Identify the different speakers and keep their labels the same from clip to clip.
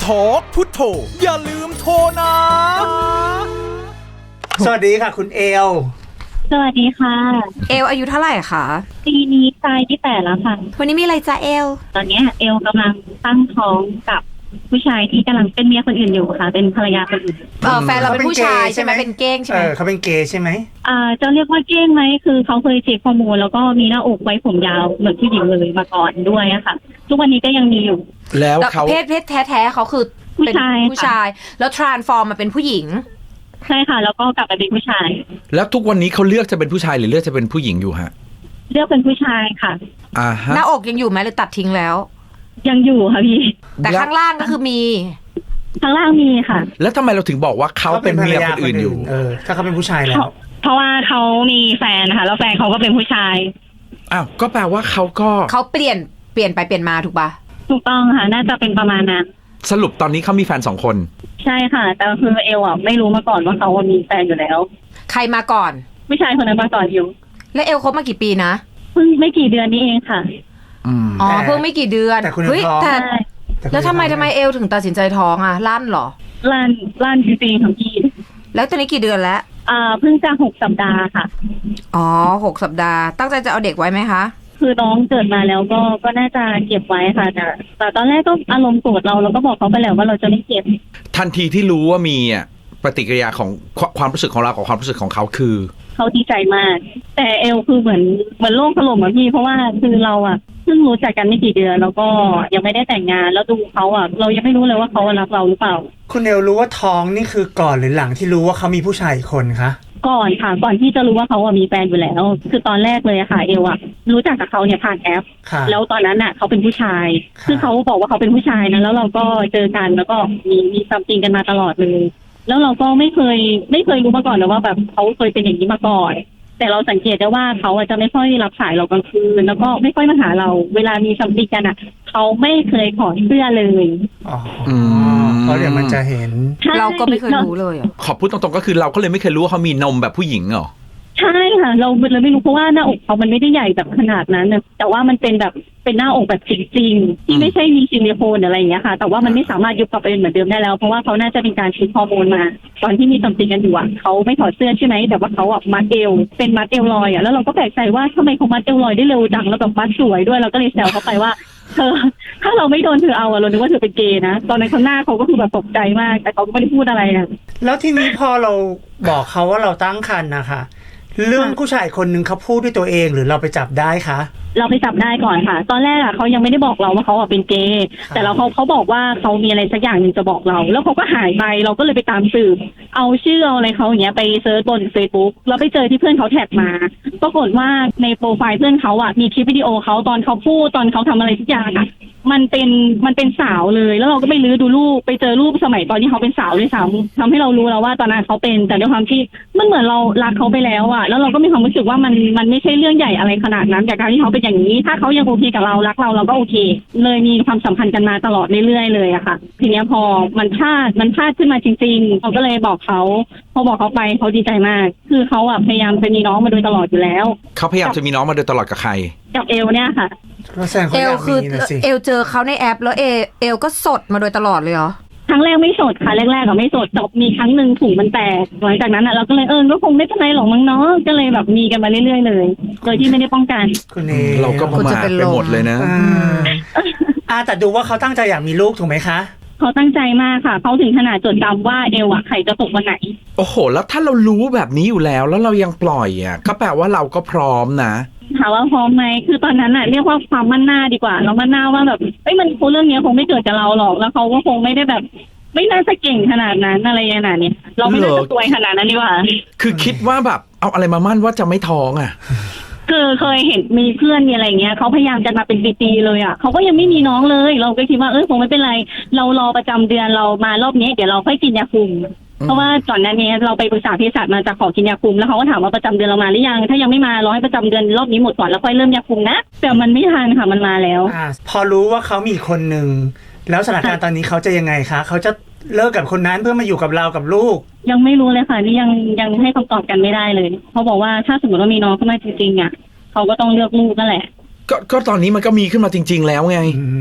Speaker 1: ทอกพุทโธอย่าลืมโทรนะ
Speaker 2: สวัสดีค่ะคุณเอล
Speaker 3: สวัสดีค่ะ
Speaker 4: เอลอายุเท่าไหร่คะ
Speaker 3: ปีนี้ตายที่8แล้วค่ะ
Speaker 4: วันนี้มีอะไรจ้าเอล
Speaker 3: ตอนนี้เอลกำลังตั้งท้องกับผู้ชายที่กำลังเป็นเมียคนอื่นอยู่ค่ะเป็นภรรยาคนอื่น
Speaker 4: แฟนเราเป็นผู้ชายใช่ไหมเป็นเก้งใช่ไหม
Speaker 2: เขาเป็นเกย์ใช่ไหม
Speaker 3: จะเรียกว่าเก้งไหมคือเขาเคยเช็คฮอร์โมนแล้วก็มีหน้าอกไว้ผมยาวเหมือนผู้หญิงเลยมาก่อนด้วยอะค่ะทุกวันนี้ก็ยังมีอยู่
Speaker 4: แล้วเขาเพศแท้ๆเขาคือ
Speaker 3: ผู้ชาย
Speaker 4: แล้วทรานส์ฟอร์มมาเป็นผู้หญิง
Speaker 3: ใช่ค่ะแล้วก็กลับมาเป็นผู้ชาย
Speaker 1: แล้วทุกวันนี้เขาเลือกจะเป็นผู้ชายหรือเลือกจะเป็นผู้หญิงอยู่ฮะ
Speaker 3: เลือกเป็นผู้ชายค่ะ
Speaker 4: หน้าอกยังอยู่ไหมหรือตัดทิ้งแล้ว
Speaker 3: ยังอยู่ค่ะพี่
Speaker 4: แต่ข้างล่างก็คือมี
Speaker 3: ข้างล่างมีค่ะ
Speaker 1: แล้วทำไมเราถึงบอกว่าเขาเป็นเมียคนอื่นอยู่
Speaker 2: ถ้าเขาเป็นผู้ชายแล้ว
Speaker 3: เพราะว่าเขามีแฟนนะคะแล้วแฟนเขาก็เป็นผู้ชาย
Speaker 1: อ้าวก็แปลว่าเขา
Speaker 4: เปลี่ยนไปเปลี่ยนมาถูกปะ
Speaker 3: ถูกต้องค่ะน่าจะเป็นประมาณนั้น
Speaker 1: สรุปตอนนี้เขามีแฟน2 คน
Speaker 3: ใช่ค่ะแต่คือเอลไม่รู้มาก่อนว่าเขามีแฟนอยู่แล้ว
Speaker 4: ใครมาก่อน
Speaker 3: ผู้ชายคนนั้นมาก่อนอยู่
Speaker 4: แล้วเอลคบมากี่ปีนะ
Speaker 3: เพิ่งไม่กี่เดือนนี้เองค่ะ
Speaker 4: เพิ่งไม่กี่เดือน
Speaker 2: แต่คุณท้อง
Speaker 4: แล้วทำไมเอลถึงตัดสินใจท้องอ่ะลั่นเหรอ
Speaker 3: ลั่นจริงๆของพี่
Speaker 4: แล้วตอนนี้กี่เดือนแล้ว
Speaker 3: เพิ่งจะ6 สัปดาห์ค่ะ
Speaker 4: 6 สัปดาห์ตั้งใจจะเอาเด็กไว้ไหมคะ
Speaker 3: คือน้องเกิดมาแล้วก็น่าจะเก็บไว้ค่ะแต่ตอนแรกก็อารมณ์โกรธเราก็บอกเขาไปแล้วว่าเราจะไม่เก็บ
Speaker 1: ทันทีที่รู้ว่ามีปฏิกิริยาของความรู้สึกของเรากับความรู้สึกของเขาคือ
Speaker 3: เขาดีใจมากแต่เอลคือเหมือนโลกถล่มอะพี่เพราะว่าคือเราเพิ่งรู้จักกันไม่กี่เดือนแล้วก็ยังไม่ได้แต่งงานแล้วดูเขาเรายังไม่รู้เลยว่าเขารักเราหรือเปล่า
Speaker 2: คุณเอลรู้ว่าท้องนี่คือก่อนหรือหลังที่รู้ว่าเขามีผู้ชายอีกคนคะ
Speaker 3: ก่อนค่ะก่อนที่จะรู้ว่าเขามีแฟนอยู่แล้วคือตอนแรกเลยค่ะเอลรู้จักกับเขาเนี่ยผ่านแอปแล้วตอนนั้นเขาเป็นผู้ชายคือเขาบอกว่าเขาเป็นผู้ชายนะแล้วเราก็เจอกันแล้วก็มีความจริงกันมาตลอดเลยแล้วเราก็ไม่เคยรู้มาก่อนเลยว่าแบบเขาเคยเป็นอย่างนี้มาก่อนแต่เราสังเกตได้ว่าเขาจะไม่ค่อยรับสายเรากลางคืนแล้วก็ไม่ค่อยมาหาเราเวลามีสัมผัสกันเขาไม่เคยถอดเสื้อเลย
Speaker 2: เขาเดี๋ยวมันจะเห็น
Speaker 4: เราก็ไม่เคยรู้เลย
Speaker 1: ขอพูดตรงๆก็คือเราก็เลยไม่เคยรู้ว่าเขามีนมแบบผู้หญิงเหรอ
Speaker 3: ใช่ค่ะเราเลยไม่รู้เพราะว่าหน้าอกเขามันไม่ได้ใหญ่แบบขนาดนั้นแต่ว่ามันเป็นแบบเป็นหน้าอกแบบจริงๆที่ไม่ใช่มีซิลิโคนอะไรอย่างเงี้ยค่ะแต่ว่ามันไม่สามารถยุบกลับไปเป็นเหมือนเดิมได้แล้วเพราะว่าเขาน่าจะเป็นการฉีดฮอร์โมนมาตอนที่มีสัมผัสกันอยู่เขาไม่ถอดเสื้อใช่ไหมแต่ว่าเขามัดเอวเป็นมัดเอวลอยแล้วเราก็แปลกใจว่าทำไมเขามัดเอวลอยได้เร็วจังแล้วแบบมัดสวยด้วยเราก็เลยแซวเขาไปว่าเธอถ้าเราไม่โดนเธอเอาเราคิดว่าเธอเป็นเกย์นะตอนนั้นข้างหน้าเขาก็คือแบบตกใจมากแต่เขาก็ไม่ได้พูดอะไร
Speaker 2: แล้วทีนี้พอเราบอกเขาว่าเราตั้งครรภ์นะคะเรื่องผู้ชายคนหนึ่งเขาพูดด้วยตัวเองหรือเราไปจับได้คะ
Speaker 3: เราไปจับได้ก่อนค่ะตอนแรกเขายังไม่ได้บอกเราว่าเขาเป็นเกย์แต่เขาบอกว่าเขามีอะไรสักอย่างหนึ่งจะบอกเราแล้วเขาก็หายไปเราก็เลยไปตามสืบเอาชื่อเอาอะไรเขาอย่างเงี้ยไปเซิร์ชบน Facebook แล้วไปเจอที่เพื่อนเขาแท็กมาปรากฏว่าในโปรไฟล์เพื่อนเขามีคลิปวิดีโอเขาตอนเขาพูดตอนเขาทำอะไรทุกอย่างมันเป็นสาวเลยแล้วเราก็ไปลื้อดูรูปไปเจอรูปสมัยตอนที่เขาเป็นสาวด้วยซ้ำทำให้เรารู้แล้วว่าตอนนั้นเขาเป็นแต่ด้วยความที่มันเหมือนเรารักเขาไปแล้วแล้วเราก็มีความรู้สึกว่ามันไม่ใช่เรื่องใหญ่อะไรขนาดนั้นจากการที่เขาเป็นอย่างนี้ถ้าเขายังโอเคกับเรารักเราก็โอเคเลยมีความสัมพันธ์กันมาตลอดเรื่อยๆเลยค่ะทีนี้พอมันพลาดขึ้นมาจริงๆเราก็เลยบอกเขาพอบอกเขาไปเขาดีใจมากคือเขาพยายามจะมีน้องมาโดยตลอดอยู่แล้ว
Speaker 1: เขาพยายามจะมีน้องมาโดยตลอดกับใคร
Speaker 3: กับเอลเนี่ยค่ะ
Speaker 4: เอลคือเอลเจอเขาในแอปแล้วเอลก็สดมาโดยตลอดเลยเหรอ
Speaker 3: ครั้งแรกไม่สดค่ะแรกๆไม่สดแต่มีครั้งหนึ่งถุงมันแตกหลังจากนั้นเราก็เลยก็คงไม่เป็นไรหรอกมั้งเนาะก็เลยแบบมีกันมาเรื่อยๆเลยโดยที่ไม่ได้ป้องกัน
Speaker 1: เราก็ประมาทไปหมดเลยนะ
Speaker 2: แต่ดูว่าเขาตั้งใจอยากมีลูกถูกไหมคะ
Speaker 3: เขาตั้งใจมากค่ะเขาถึงขนาดจดจำว่าเอลไข่จะตกวันไหน
Speaker 1: โอ้โหแล้วถ้าเรารู้แบบนี้อยู่แล้วเรายังปล่อยก็แปลว่าเราก็พร้อมนะ
Speaker 3: ถามว่าพร้อมไหมคือตอนนั้นเรียกว่าความมั่นหน้าดีกว่าเรามั่นหน้าว่าแบบมันคงเรื่องนี้คงไม่เกิดกับเราหรอกแล้วเขาก็คงไม่ได้แบบไม่น่าจะเก่งขนาดนั้นอะไรอย่างนี้เราไม่น่าจะสวยขนาดนั้นดีกว่า
Speaker 1: คือคิดว่าแบบเอาอะไรมามั่นว่าจะไม่ท้อง
Speaker 3: คือเคยเห็นมีเพื่อนมีอะไรเงี้ยเขาพยายามจะมาเป็นปีๆเลยเขาก็ยังไม่มีน้องเลยเราก็คิดว่าคงไม่เป็นไรเรารอประจำเดือนเรามารอบนี้เดี๋ยวเราค่อยกินยาคุมเพราะว่าก่อนหน้านี้เราไปปรึกษาเภสัชมาจะขอกินยาคุมแล้วเขาก็ถามว่าประจำเดือนเรามาหรือยังถ้ายังไม่มารอให้ประจำเดือนรอบนี้หมดก่อนแล้วค่อยเริ่มยาคุมนะแต่มันไม่ทันค่ะมันมาแล้ว
Speaker 2: พอรู้ว่าเขามีคนหนึ่งแล้วสถานการณ์ตอนนี้เขาจะยังไงคะเขาจะเลิกกับคนนั้นเพื่อมาอยู่กับเรากับลูก
Speaker 3: ยังไม่รู้เลยค่ะนี่ยังให้คำตอบกันไม่ได้เลยเขาบอกว่าถ้าสมมติว่ามีน้องขึ้นมาจริงๆเขาก็ต้องเลือกลูกนั่นแหละ
Speaker 1: ก็ตอนนี้มันก็มีขึ้นมาจริงๆแล้วไง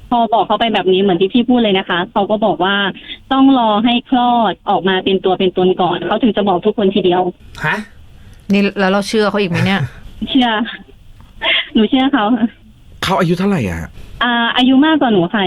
Speaker 3: พอบอกเขาไปแบบนี้เหมือนที่พี่พูดเลยนะคะเขาก็บอกว่าต้องรอให้คลอดออกมาเป็นตัวเป็นตนก่อนเขาถึงจะบอกทุกคนทีเดียว
Speaker 2: ฮะ
Speaker 4: นี่แล้วเราเชื่อเขาอีกไหมเนี่ย
Speaker 3: เชื่อ หนูเชื่อเขาค่ะ
Speaker 1: เขาอายุเท่าไหร่อ่ะ
Speaker 3: อายุมากกว่าหนูค่ะ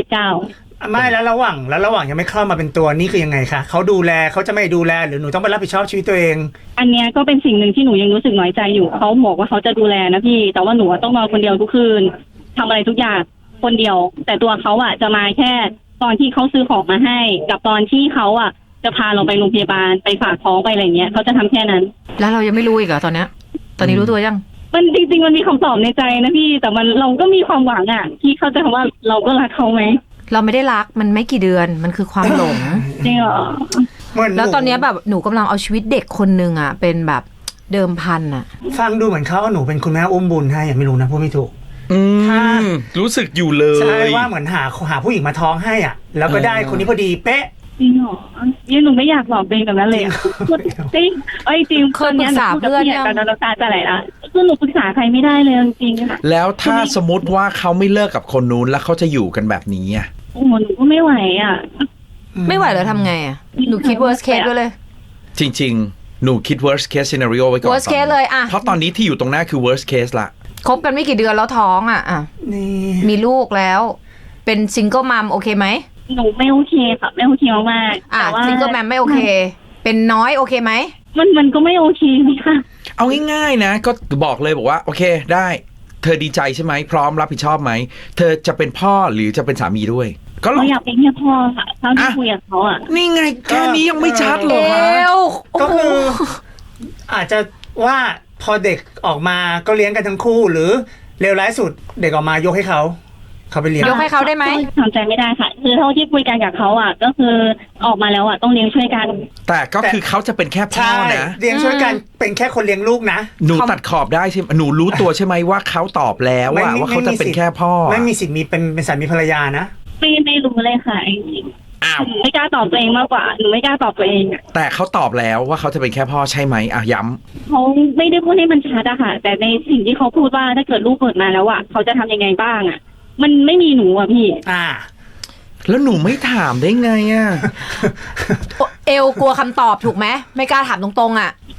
Speaker 3: 29
Speaker 2: ไม่แล้วระหว่างยังไม่คลอดมาเป็นตัวนี่คือยังไงคะเขาดูแลเขาจะไม่ดูแลหรือหนูต้องไปรับผิดชอบชีวิตตัวเอง
Speaker 3: อันเนี้ยก็เป็นสิ่งหนึ่งที่หนูยังรู้สึกน้อยใจอยู่เขาบอกว่าเขาจะดูแลนะพี่แต่ว่าหนูต้องนอนคนเดียวทุกคืนทำอะไรทุกอย่างคนเดียว แต่ตัวเขาจะมาแค่ตอนที่เขาซื้อของมาให้ กับตอนที่เขาจะพาเราไปโรงพยาบาลไปฝากท้องไปอะไรเงี้ยเขาจะทำแค่นั้น
Speaker 4: แล้วเรายังไม่รู้อีกเหรอตอนเนี้ย ตอนนี้รู้ตัวยัง
Speaker 3: มันจริงๆมันมีคำตอบในใจนะพี่แต่มันเราก็มีความหวังที่เขาจะคำว่าเราก็รักเขาไหม
Speaker 4: เราไม่ได้รักมันไม่กี่เดือนมันคือความหลง
Speaker 3: จริงเหรอ
Speaker 2: เหมือน
Speaker 4: แล้วตอนเนี้ยแบบหนูกำลังเอาชีวิตเด็กคนนึงเป็นแบบเดิมพันอะ
Speaker 2: ฟังดูเหมือนเขาเอาหนูเป็นคุณแม่อุ้มบุญให้ยังไม่รู้นะพูดไม่ถูก ค่ะ
Speaker 1: รู้สึกอยู่เล
Speaker 2: ใช่
Speaker 1: ย
Speaker 2: ว่าเหมือนหาผู้หญิงมาท้องให้อ่ะ แล้วก็ได้คนนี้พอดีเป๊ะ
Speaker 3: จริงเหรอยังหนูไม่อยากบอกตัวเองแบบนั้นเลยจริงจริง
Speaker 4: เคยปรึกษาเพื่อนยัง
Speaker 3: ตอนนั้นเราตาจะไหลละคือหนูปรึกษาใครไม่ได้เลยจริงๆค่ะ
Speaker 1: แล้วถ้าสมมติว่าเขาไม่เลิกกับคนนู้นแล้วเขาจะอยู่กันแบบนี้อ่ะ
Speaker 3: โอ้โหหนูก็ไม่ไหว
Speaker 4: ไม่ไหวแล้วทำไงหนูคิด worst case ด้วยเลย
Speaker 1: จริงๆ หนูคิด worst case scenario ไว้ก่อน
Speaker 4: worst case เลยอะ
Speaker 1: เพราะตอนนี้ที่อยู่ตรงหน้าคือ worst case ละ
Speaker 4: คบกันไม่กี่เดือนแล้วท้องอะ
Speaker 2: นี่
Speaker 4: มีลูกแล้ว เป็นซิงเกิลมัมโอเคไหม
Speaker 3: หนูไม่โอเคค่ะไม่โอเคมากๆแต่ว่า
Speaker 4: ซิงเกิลมัมไม่โอเค เป็นน้อยโอเคไหม
Speaker 3: มันก็ไม่โอเคเลยค่ะ
Speaker 1: เอาง่ายๆนะ ก็บอกเลยบอกว่า โอเคได้ เธอดีใจใช่ไหมพร้อมรับผิดชอบไหม เธอจะเป็นพ่อหรือจะเป็นสามีด้วย ก็ล
Speaker 3: เรา
Speaker 1: อง
Speaker 3: อยากเป็นแค่พ่อค่ะเท่าที่คุยกับเขา
Speaker 1: นี่ไงแค่นี้ยังไม่ชัดเหรอ
Speaker 4: เอ
Speaker 1: คะ
Speaker 4: ว
Speaker 2: ก็คือ อาจจะว่าพอเด็กออกมาก็เลี้ยงกันทั้งคู่หรือเลวร้ายสุดเด็กออกมายกให้เขาไปเลี้ยง
Speaker 4: ยกให้เขาได้ไหม
Speaker 3: ทำใจไม่ได้ค่ะ คือเท่าที่คุยกันกับเขาก็คือออกมาแล้วต้องเลี้ยงช่วยกัน
Speaker 1: แต่ก็คือเขาจะเป็นแค่พ่อ
Speaker 2: ใช่
Speaker 1: นะ
Speaker 2: เลี้ยงช่วยกันเป็นแค่คนเลี้ยงลูกนะ
Speaker 1: หนูตัดขอบได้ใช่ไหมหนูรู้ตัวใช่ไหมว่าเขาตอบแล้วว่าเขาจะเป็นแค่พ่อ
Speaker 2: ไม่มีสิทธิ์มีเป็นสามีภรรยานะ
Speaker 3: ไม่รู้เลยค่ะจริง
Speaker 1: อ้าว
Speaker 3: หนูไม่กล้าตอบตัวเองมากกว่าหนูไม่กล้าตอบตัวเอง
Speaker 1: แต่เขาตอบแล้วว่าเขาจะเป็นแค่พ่อใช่ไหมอ่ะย้
Speaker 3: เขาไม่ได้พูดให้มันชัดค่ะแต่ในสิ่งที่เขาพูดว่าถ้าเกิดลูกเกิดมาแล้วเขาจะทำยังไงบ้างมันไม่มีหนูพี่
Speaker 1: ำแล้วหนูไม่ถามได้ไงอ่ะ
Speaker 4: เอวกลัวคำตอบถูกไหมไม่กล้าถามตรงๆ
Speaker 3: ใช่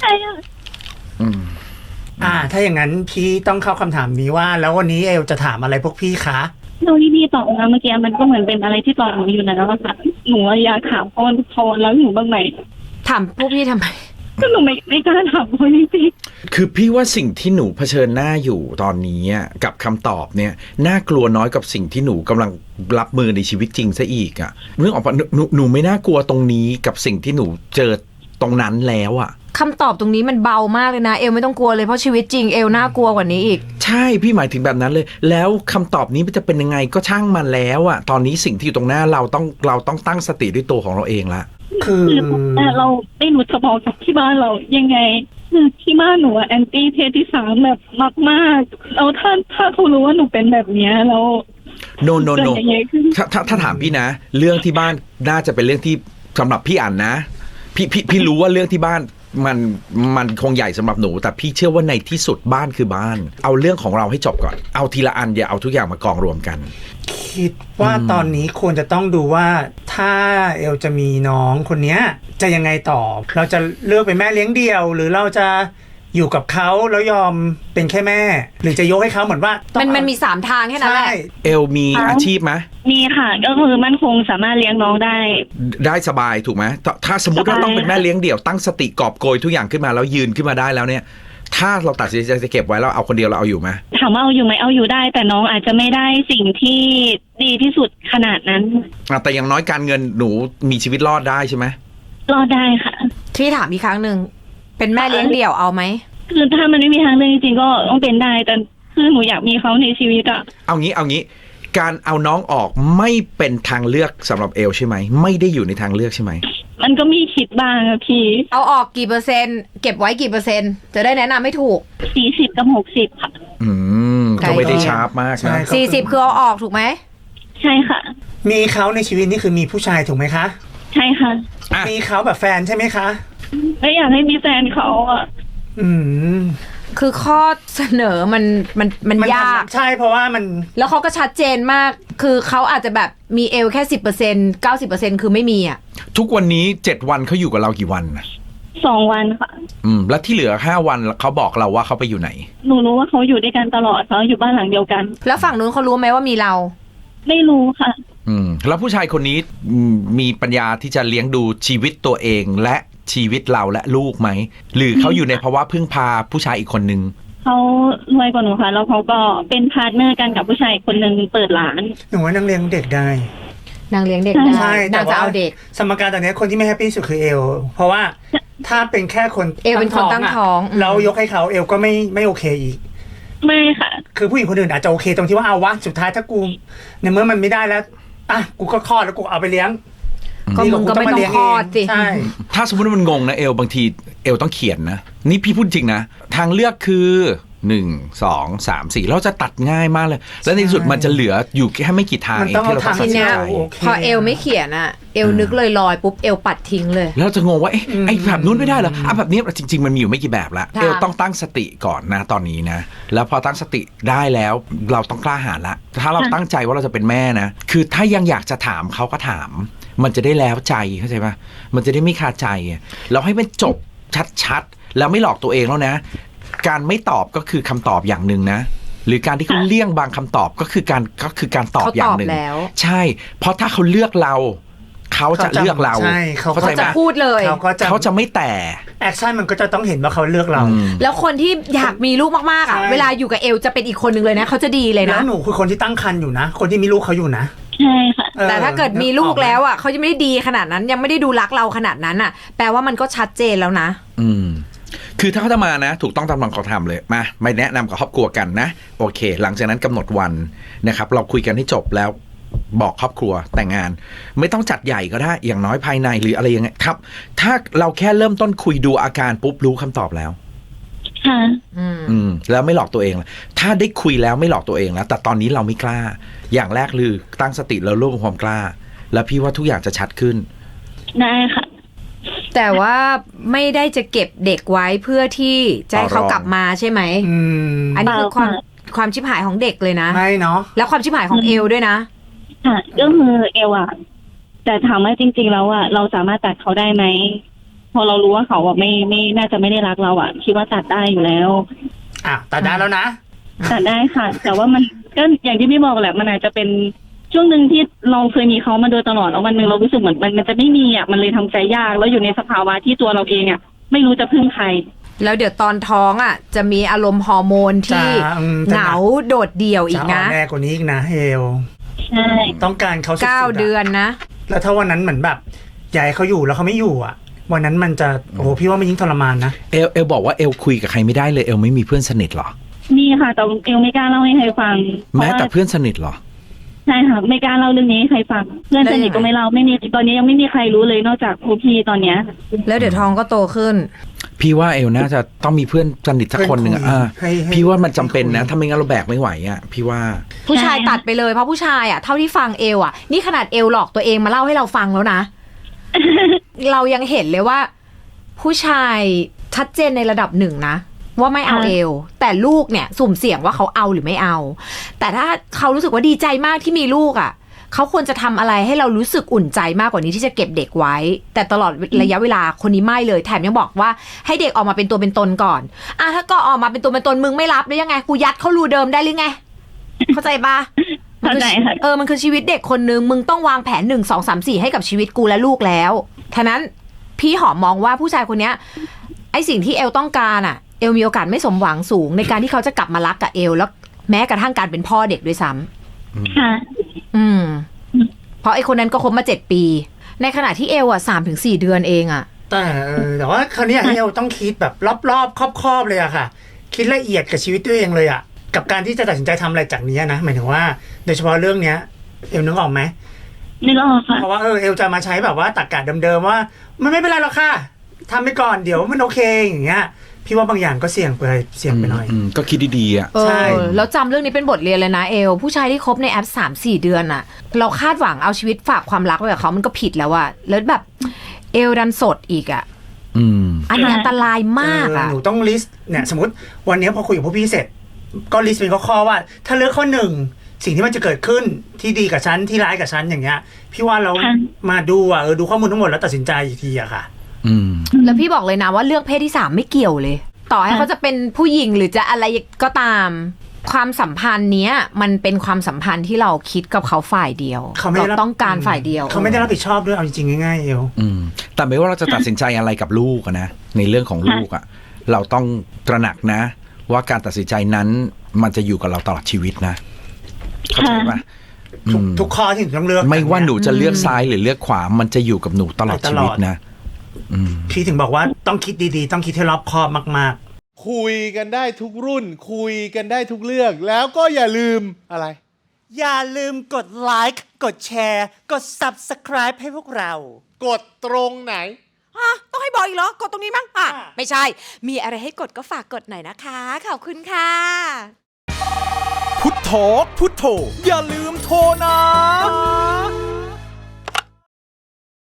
Speaker 2: ถ้าอย่างนั้นพี่ต้องเข้าคำถามนี้ว่า แล้ววันนี้เอลจะถามอะไรพวกพี่คะ
Speaker 3: เราที่พี่ตอบมาเมื่อกี้มันก็เหมือนเป็นอะไรที่ตอบหนูอยู่แล้วค่ะหนูอยากถามพ่อทุกคนแล้วหนูบ้างไหม
Speaker 4: ถามพวกพี่ทำไม
Speaker 3: ก็หนูไม่กล้าถามพ่อจริง
Speaker 1: คือพี่ว่าสิ่งที่หนูเผชิญหน้าอยู่ตอนนี้กับคำตอบเนี่ยน่ากลัวน้อยกับสิ่งที่หนูกำลังรับมือในชีวิตจริงซะอีกเรื่องออกมาหนูไม่น่ากลัวตรงนี้กับสิ่งที่หนูเจอตรงนั้นแล้ว
Speaker 4: คำตอบตรงนี้มันเบามากเลยนะเอลไม่ต้องกลัวเลยเพราะชีวิตจริงเอลน่ากลัวกว่านี้อีก
Speaker 1: ใช่พี่หมายถึงแบบนั้นเลยแล้วคำตอบนี้มันจะเป็นยังไงก็ช่างมันแล้วตอนนี้สิ่งที่อยู่ตรงหน้าเราต้องตั้งสติด้วยตัวของเราเองละ
Speaker 2: คือ
Speaker 3: แต่เราไม่รู้จะบอกกับที่บ้านเรายังไงคือที่บ้านหนูแอนตี้เพศที่3แบบมากๆแล้วถ้าเขารู้ว่าหนูเป็นแบบนี้แล้ว
Speaker 1: no ถ้าถามพี่นะเรื่องที่บ้านน่าจะเป็นเรื่องที่สำหรับพี่อ่านนะพี่รู้ว่าเรื่องที่บ้านมันคงใหญ่สำหรับหนูแต่พี่เชื่อว่าในที่สุดบ้านคือบ้านเอาเรื่องของเราให้จบก่อนเอาทีละอันอย่าเอาทุกอย่างมากองรวมกัน
Speaker 2: คิดว่าตอนนี้ควรจะต้องดูว่าถ้าเอลจะมีน้องคนนี้จะยังไงต่อเราจะเลือกเป็นแม่เลี้ยงเดี่ยวหรือเราจะอยู่กับเขาแล้วยอมเป็นแค่แม่หรือจะยกให้เขาเหมือนว่า
Speaker 4: มันมี3ทางแค่นั้นแหละ
Speaker 1: เอลมีอาชีพไหม
Speaker 3: มีค่ะก็คือมั่นคงสามารถเลี้ยงน้องได้
Speaker 1: สบายถูกไหมถ้าสมมติว่าต้องเป็นแม่เลี้ยงเดี่ยวตั้งสติกอบโกยทุกอย่างขึ้นมาแล้วยืนขึ้นมาได้แล้วเนี่ยถ้าเราตัดสินใจจะเก็บไว้แล้วเอาคนเดียวเราเอาอยู่ไหม
Speaker 3: ถามว่าเอาอยู่ไหมเอาอยู่ได้แต่น้องอาจจะไม่ได้สิ่งที่ดีที่สุดขนาดนั้น
Speaker 1: แต่อย่างน้อยการเงินหนูมีชีวิตรอดได้ใช่ไหม
Speaker 3: รอดได้ค่ะ
Speaker 4: ที่ถามอีกครั้งหนึ่งเป็นแม่เลี้ยงเดี่ยวเอาไหม
Speaker 3: คือถ้ามันไม่มีทางเลือกจริงๆก็ต้องเป็นได้แต่คือหนูอยากมีเขาในชีวิต
Speaker 1: เอางี้การเอาน้องออกไม่เป็นทางเลือกสำหรับเอลใช่ไหมไม่ได้อยู่ในทางเลือกใช่ไหม
Speaker 3: มันก็มีคิดบ้างอะพี่
Speaker 4: เอาออกกี่เปอร์เซ็นต์เก็บไว้กี่เปอร์เซ็นต์จะได้แนะนำไม่ถูก
Speaker 3: 40กับ60ค่ะ
Speaker 1: ก็ไม่ได้ชาร์ปมากนะ
Speaker 4: 40คือเอาออกถูกไหม
Speaker 3: ใช่ค่ะ
Speaker 2: มีเขาในชีวิตนี่คือมีผู้ชายถูกไหมคะ
Speaker 3: ใช่ค่ะ
Speaker 2: มีเขาแบบแฟนใช่ไหมคะ
Speaker 3: ไม่อยากให้มีแฟนเขา
Speaker 4: คือข้อเสนอมันยาก
Speaker 2: ใช่เพราะว่ามัน
Speaker 4: แล้วเขาก็ชัดเจนมาก คือเขาอาจจะแบบมีเอลแค่ 10% 90% คือไม่มีอ่ะ
Speaker 1: ทุกวันนี้7 วันเขาอยู่กับเรากี่วันนะ
Speaker 3: 2 วันค่ะ
Speaker 1: แล้วที่เหลือ5 วันเขาบอกเราว่าเขาไปอยู่ไหน
Speaker 3: หนูรู้ว่าเขาอยู่ด้วยกันตลอดเขาอยู่บ้านหลังเดียวกัน
Speaker 4: แล้วฝั่งนู้นเขารู้ไหมว่ามีเรา
Speaker 3: ไม่รู้ค่ะ
Speaker 1: แล้วผู้ชายคนนี้มีปัญญาที่จะเลี้ยงดูชีวิตตัวเองและชีวิตเราและลูกไหมหรือเขาอยู่ในภาวะพึ่งพาผู้ชายอีกคนนึง
Speaker 3: เขารวยกว่าหนูค่ะแล้วเขาก็เป็นพาร์ทเนอร์กันกับผู้ชายคนหนึ่งเปิดร้าน
Speaker 2: หนูว่านางเลี้ยงเด็กได้
Speaker 4: นางเลี้ยงเด็กได้
Speaker 2: ใช่
Speaker 4: นางจะเอาเด็ก
Speaker 2: สมการตอนนี้คนที่ไม่แฮปปี้สุดคือเอลเพราะว่าถ้าเป็นแค่คน
Speaker 4: เอลเป็นคนตั้งท้อง
Speaker 2: แล้วยกให้เขาเอลก็ไม่โอเคอีก
Speaker 3: ไม่ค่ะ
Speaker 2: คือผู้หญิงคนอื่นอาจจะโอเคตรงที่ว่าเอาวะสุดท้ายถ้ากูในเมื่อมันไม่ได้แล้วอ่ะกูก็คลอดแล้วกูเอาไปเลี้ยง
Speaker 4: ก็มึงก็ไม่ต้องคลอดสิ
Speaker 2: ใช่
Speaker 1: ถ้าสมมติว่ามันงงนะบางทีเอลต้องเขียนนะนี่พี่พูดจริงนะทางเลือกคือ1 2 3 4เราจะตัดง่ายมากเลยแล้วในที่สุดมันจะเหลืออยู่แค่ไม่กี่ทางเองที่เราต้อง
Speaker 4: ที
Speaker 1: ตัดสิน
Speaker 4: เนี้ย
Speaker 1: ใจ
Speaker 4: พอเอลไม่เขียนอ่ะเอลนึกลอยๆปุ๊บเอลปัดทิ้งเลย
Speaker 1: แล้วจะงงว่าไอ้แบบนู้นไม่ได้เหรอแบบนี้จริงๆมันมีอยู่ไม่กี่แบบละ
Speaker 4: ค่ะ
Speaker 1: เอลต้องตั้งสติก่อนนะตอนนี้นะแล้วพอตั้งสติได้แล้วเราต้องกล้าหาญละถ้าเราตั้งใจว่าเราจะเป็นแม่นะคือถ้ายังอยากจะถามเขาก็ถามมันจะได้แล้วใจเข้าใจปะมันจะได้ไม่คาใจเราให้มันจบชัดๆแล้วไม่หลอกตัวเองแล้วนะการไม่ตอบก็คือคำตอบอย่างหนึ่งนะหรือการที่เขาเลี่ยงบางคำตอบก็คือการตอบอย่างหนึ่ง
Speaker 4: แล้ว
Speaker 1: ใช่เพราะถ้าเขาเลือกเราเขาจะเลือกเรา
Speaker 2: ใช่เขา
Speaker 1: เข้าใจไหม
Speaker 4: จะพูดเลย
Speaker 1: เขาจะไม่แต่
Speaker 2: แอคชั่นมันก็จะต้องเห็นว่าเขาเลือกเรา
Speaker 4: แล้วคนที่อยากมีลูกมากๆอ่ะ
Speaker 2: ใช่
Speaker 4: เวลาอยู่กับเอลจะเป็นอีกคนนึงเลยนะเขาจะดีเลย
Speaker 2: แล้
Speaker 4: นะ
Speaker 2: วหนูคือคนที่ตั้งครรภ์อยู่นะ คนที่มีลูกเขาอยู่นะ
Speaker 3: ใช่ค่ะ
Speaker 4: แต่ถ้าเกิดมีลูกแล้วอ่ะเขาจะไม่ได้ดีขนาดนั้นยังไม่ได้ดูรักเราขนาดนั้นอ่ะ แปลว่ามันก็ชัดเจนแล้วนะ
Speaker 1: คือถ้าเขาจะมานะถูกต้องตามหลักของธรรมเลยมาไม่แนะนำกับครอบครัวกันนะโอเค หลังจากนั้นกำหนดวันนะครับเราคุยกันให้จบแล้วบอกครอบครัวแต่งงาน ไม่ต้องจัดใหญ่ก็ได้อย่างน้อยภายในหรืออะไรยังไงครับ ถ้าเราแค่เริ่มต้นคุยดูอาการปุ๊บรู้คำตอบแล้ว
Speaker 3: ค่ะ
Speaker 1: แล้วไม่หลอกตัวเองละถ้าได้คุยแล้วไม่หลอกตัวเองแล้วแต่ตอนนี้เราไม่กล้า อย่างแรกคือตั้งสติแล้วรวบรวมความกล้า แล้วพี่ว่าทุกอย่างจะชัดขึ้น
Speaker 3: ได้ค่ะ
Speaker 4: แต่ว่าไม่ได้จะเก็บเด็กไว้เพื่อที่จะให้เขากลับมาใช่ไหมอันนี้คือความชิบหายของเด็กเลยนะ
Speaker 2: ไม่เนาะ
Speaker 4: แล้วความชิบหายของเอลด้วยนะ
Speaker 3: ค่ะก็คือเอวอะแต่ถามว่าจริงๆแล้วอะเราสามารถตัดเขาได้ไหมพอเรารู้ว่าเขาอะไม่น่าจะไม่ได้รักเราอะคิดว่าตัดได้อยู่แล้ว
Speaker 2: ตัดได้แล้วนะ
Speaker 3: ตัดได้ค่ะ แต่ว่ามันก็อย่างที่พี่บอกแหละมันอาจจะเป็นช่วงหนึ่งที่เราเคยมีเขามาโดยตลอดแล้ววันหนึ่งเรารู้สึกเหมือนมันจะไม่มีอะมันเลยทำใจยากแล้วอยู่ในสภาวะที่ตัวเราเองอะไม่รู้จะพึ่งใคร
Speaker 4: แล้วเดี๋ยวตอนท้องอ่ะจะมีอารมณ์ฮอร์โมนที่เหงาโดดเดี่ยวอีกนะ
Speaker 2: จะแน่กว่านี้อีกนะเฮล
Speaker 3: ใช่
Speaker 2: ต้องการเขาสุดๆ
Speaker 4: 9 เดือนนะ
Speaker 2: แล้วถ้าวันนั้นเหมือนแบบอยากให้เขาอยู่แล้วเขาไม่อยู่อ่ะ วันนั้นมันจะโอ้โหพี่ว่ามันยิ่งทรมานนะ
Speaker 1: เอลบอกว่าเอลคุยกับใครไม่ได้เลยเอลไม่มีเพื่อนสนิทหรอ
Speaker 3: มีค่ะแต่เอลไม่กล้าเล่าให้ใครฟัง
Speaker 1: แม้แต่เพื่อนสนิทหรอ
Speaker 3: ใช่ค่ะไม่กล้าเล่าเรื่องนี้ให้ใครฟังเพื่อนสนิทก็ไม่เล่าไม่มีตอนนี้ยังไม่มีใครรู้เลยนอกจากครูพี่ตอนเนี้ย
Speaker 4: แล้วเดี๋ยวท้องก็โตขึ้น
Speaker 1: พี่ว่าเอลน่าจะต้องมีเพื่อนสนิทสักคนหนึ่งอ่ะพี่ว่ามันจำเป็นนะถ้าไม่งั้นเราแบกไม่ไหวอ่ะพี่ว่า
Speaker 4: ผู้ชายตัดไปเลยเพราะผู้ชายอ่ะเท่าที่ฟังเอลอ่ะนี่ขนาดเอลหลอกตัวเองมาเล่าให้เราฟังแล้วนะ เรายังเห็นเลยว่า ผู้ชายชัดเจนในระดับหนึ่งนะว่าไม่เอาเอลแต่ลูกเนี่ยสุ่มเสี่ยงว่าเขาเอาหรือไม่เอา แต่ถ้าเขารู้สึกว่าดีใจมากที่มีลูกอ่ะเขาควรจะทำอะไรให้เรารู้สึกอุ่นใจมากกว่านี้ที่จะเก็บเด็กไว้ แต่ตลอดระยะเวลาคนนี้ไม่เลยแถมยังบอกว่าให้เด็กออกมาเป็นตัวเป็นตนก่อนถ้าก็ออกมาเป็นตัวเป็นตนมึงไม่รับหรือยังไงกูยัดเขารูเดิมได้หรือไง เข้าใจปะ
Speaker 3: เข้าใจค่ะ
Speaker 4: มันคือชีวิตเด็กคนนึงมึงต้องวางแผน1 2 3 4ให้กับชีวิตกูและลูกแล้วฉะนั้นพี่หอมมองว่าผู้ชายคนเนี้ยไอสิ่งที่เอลต้องการอ่ะเอลมีโอกาสไม่สมหวังสูงในการที่เขาจะกลับมารักกับเอลแล้วแม้กระทั่งการเป็นพ่อเด็กด้วยซ้ำ
Speaker 3: ค่ะ
Speaker 4: เพราะไอคนนั้นก็คบมา7 ปี ในขณะที่เอลอ่ะ3-4 เดือนเองอ่ะ
Speaker 2: แต่ว่าคราวนี้เอลต้องคิดแบบรอบๆครอบๆเลยอะค่ะ คิดละเอียดกับชีวิตตัวเองเลยอะกับการที่จะตัดสินใจทำอะไรจากนี้นะหมายถึงว่าโดยเฉพาะเรื่องเนี้ยเอลนึกออกไหม
Speaker 3: ไม่รอดค่ะ
Speaker 2: เพราะว่าเอลจะมาใช้แบบว่าตรรกะเดิมๆว่ามันไม่เป็นไรหรอกค่ะทำไปก่อนเดี๋ยวมันโอเคอย่างเงี้ยพี่ว่าบางอย่างก็เสี่ยงไปหน่อย
Speaker 1: ก็คิดดีๆอ่ะ
Speaker 2: ใช่
Speaker 4: แล้วจำเรื่องนี้เป็นบทเรียนเลยนะเอลผู้ชายที่คบในแอป3-4 เดือนอ่ะเราคาดหวังเอาชีวิตฝากความรักไว้กับเขามันก็ผิดแล้วอะแล้วแบบเอลดันสดอีกอะอันนี้อันตรายมากอ่ะ
Speaker 2: หนูต้องลิสต์เนี่ยสมมติวันนี้พอคุยกับพวกพี่เสร็จ ก็ลิสต์เป็นข้อๆว่า ถ้าเลือกข้อ 1สิ่งที่มันจะเกิดขึ้นที่ดีกับฉันที่ร้ายกับฉันอย่างเงี้ยพี่ว่าเรามาดูดูข้อมูลทั้งหมดแล้วตัดสินใจอีกทีอะค่ะ
Speaker 4: แล้วพี่บอกเลยนะว่าเลือกเพศที่ 3ไม่เกี่ยวเลย ต่อให้เขาจะเป็นผู้หญิงหรือจะอะไรก็ตามความสัมพันธ์เนี้ยมันเป็นความสัมพันธ์ที่เราคิดกับเขาฝ่ายเดียวเราต้องการฝ่ายเดียว
Speaker 2: เขาไม่ได้รับผิดชอบด้วยเอาจริงๆง่ายๆเอว
Speaker 1: แต่ไม่ว่าเราจะตัดสินใจอะไรกับลูกนะในเรื่องของลูกเราต้องตระหนักนะว่าการตัดสินใจนั้นมันจะอยู่กับเราตลอดชีวิตนะเข้าใจปะ
Speaker 2: ทุกข้อที่หนูต้องเลือก
Speaker 1: ไม่ว่าหนูจะเลือกซ้ายหรือเลือกขวามันจะอยู่กับหนูตลอดชีวิตนะ
Speaker 2: พี่ถึงบอกว่าต้องคิดดีๆต้องคิดให้รอบคอบมาก
Speaker 5: ๆคุยกันได้ทุกรุ่นคุยกันได้ทุกเรื่องแล้วก็อย่าลืมอะไร
Speaker 6: อย่าลืมกดไลค์กดแชร์กด Subscribe ให้พวกเรา
Speaker 5: กดตรงไหน
Speaker 6: ต้องให้บอกอีกเหรอกดตรงนี้มั้งไม่ใช่มีอะไรให้กดก็ฝากกดหน่อยนะคะขอบคุณค่ะ
Speaker 7: พุทโธพุทโธอย่าลืมโทรนะ